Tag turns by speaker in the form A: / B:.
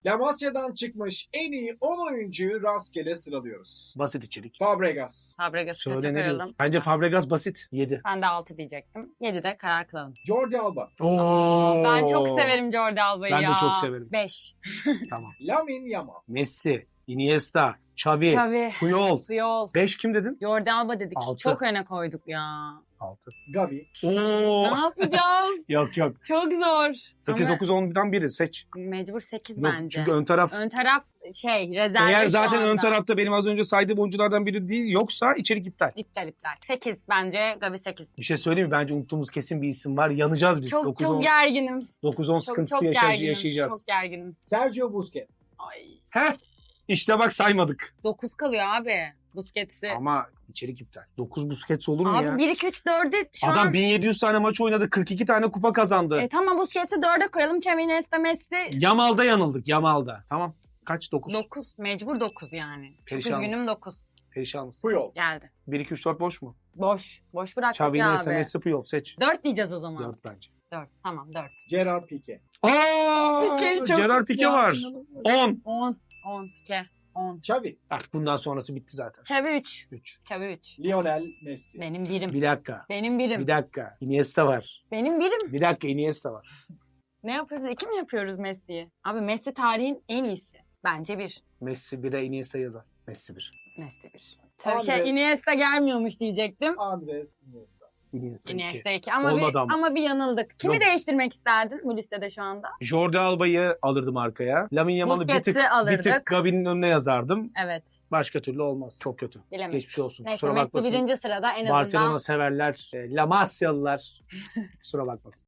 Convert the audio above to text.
A: La Masia'dan çıkmış en iyi 10 oyuncuyu rastgele sıralıyoruz.
B: Basit içerik.
A: Fabregas,
C: Fabregas'ı
B: Söyle
C: kaça
B: ne
C: koyalım?
B: diyorsun? Bence Fabregas basit. 7.
C: Ben de 6 diyecektim. 7'de karar kılalım.
A: Jordi Alba,
C: Ben çok severim Jordi Alba'yı
B: Ben
C: ya.
B: de çok severim.
C: 5.
B: Tamam.
A: Lamine Yamal,
B: Messi, Iniesta, Xavi,
C: Xavi,
B: Puyol.
C: Puyol.
B: 5 kim dedin?
C: Jordi Alba dedik.
B: 6.
C: Çok öne koyduk ya.
B: 6.
A: Gavi,
C: Ne yapacağız?
B: Yok yok.
C: Çok zor.
B: 8,
C: Ama
B: 9, 10'dan biri seç.
C: mecbur 8
B: Yok,
C: bence.
B: çünkü ön taraf...
C: Ön taraf rezerve
B: Eğer
C: şu
B: zaten ön
C: anda.
B: tarafta benim az önce saydığım oyunculardan biri değil yoksa içerik iptal.
C: İptal. 8 bence. Gavi 8.
B: Bir şey söyleyeyim mi? Bence unuttuğumuz kesin bir isim var. Yanacağız biz.
C: Çok
B: 9-10
C: gerginim.
B: 9-10 sıkıntısı
C: Çok gerginim.
B: yaşayacağız.
C: Çok gerginim.
A: Sergio Busquets,
C: Ay.
B: Heh. İşte bak saymadık.
C: 9 kalıyor abi. Busquets'i.
B: Ama içerik iptal. 9 Busquets olur mu
C: Abi
B: ya?
C: 1, 2, 3, 4'ü şu
B: Adam
C: an...
B: 1700 tane maç oynadı. 42 tane kupa kazandı.
C: Tamam Busquets'i 4'e koyalım. Xavi, Iniesta, Messi.
B: Yamal'da yanıldık. Yamal'da. Tamam. Kaç? 9.
C: 9. Mecbur 9 yani. Çok
B: Perişanız.
C: üzgünüm 9.
B: Perişanız.
A: Puyol,
C: Geldi.
B: 1, 2, 3, 4 boş mu?
C: Boş. Boş bıraktık
B: Xavi,
C: ya
B: Iniesta,
C: abi.
B: Messi, Puyol seç.
C: 4 diyeceğiz o zaman.
B: 4 bence.
C: 4. Tamam 4.
A: Gerard Piqué,
B: Gerard Piqué var. 10.
C: 10. 10. Pique. 10.
A: Xavi,
B: Artık bundan sonrası bitti zaten.
C: Xavi 3.
B: 3.
C: Xavi 3.
A: Lionel Messi,
C: Benim birim.
B: Bir dakika.
C: Benim birim.
B: Bir dakika. Iniesta var.
C: Benim birim.
B: Bir dakika Iniesta var.
C: Ne yapıyoruz? 2 mi yapıyoruz Messi'yi? Abi Messi tarihin en iyisi. Bence 1.
B: Messi 1'e Iniesta yazar. Messi 1.
C: Messi 1. Tabii
A: Andres.
C: Iniesta gelmiyormuş diyecektim.
A: Andres Iniesta,
B: Iniesta 2.
C: Iniesta 2 ama
B: Olmadı
C: bir,
B: ama.
C: ama bir yanıldık. Kimi
B: Yok.
C: değiştirmek isterdin bu listede şu anda?
B: Jordi Alba'yı alırdım arkaya. Lamine Yamal'ı bir
C: Busquets'i
B: tık
C: alırdık.
B: Gavi'nin önüne yazardım.
C: Evet.
B: Başka türlü olmaz. Çok kötü.
C: Bilemedim.
B: Geçmiş olsun.
C: Neyse
B: Kusura
C: Messi
B: bakmasın.
C: birinci sırada en azından.
B: Barcelona severler, La Masyalılar kusura bakmasın.